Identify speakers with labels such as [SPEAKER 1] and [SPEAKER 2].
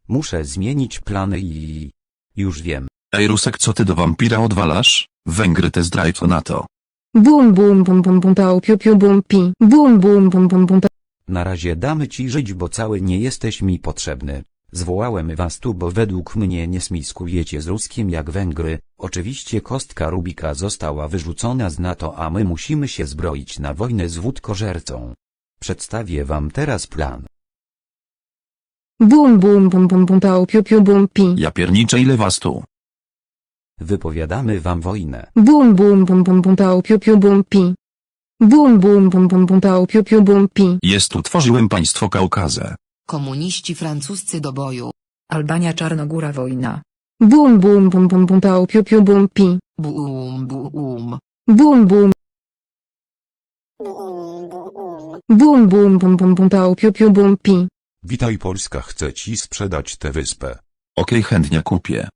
[SPEAKER 1] Muszę zmienić plany i... Już wiem.
[SPEAKER 2] Ej Rusek, co ty do wampira odwalasz? Węgry test drive to NATO.
[SPEAKER 3] Bum bum bum bum bum pał piu piu bum pi. Bum bum bum bum bum.
[SPEAKER 1] Na razie damy ci żyć, bo cały nie jesteś mi potrzebny. Zwołałem was tu, bo według mnie nie smiskujecie z Ruskiem jak Węgry. Oczywiście kostka Rubika została wyrzucona z NATO, a my musimy się zbroić na wojnę z wódkożercą. Przedstawię wam teraz plan.
[SPEAKER 3] Bum bum bum bum bum pał piu piu bum pi.
[SPEAKER 2] Ja pierniczę, ile was tu?
[SPEAKER 1] Wypowiadamy wam wojnę.
[SPEAKER 3] Bum bum bum bum bum pał piu piu bum pi. Bum bum bum bum bum pał piu piu bum pi.
[SPEAKER 2] Jest tu, tworzyłem państwo Kaukazę.
[SPEAKER 4] Komuniści francuscy do boju.
[SPEAKER 5] Albania Czarnogóra wojna.
[SPEAKER 3] Bum bum bum bum bum pał piu piu bum pi.
[SPEAKER 4] Bum bum.
[SPEAKER 3] Bum bum. Bum bum bum bum bum pał piu piu bum pi.
[SPEAKER 6] Witaj Polska, chce ci sprzedać tę wyspę.
[SPEAKER 2] Okej, chętnie kupię.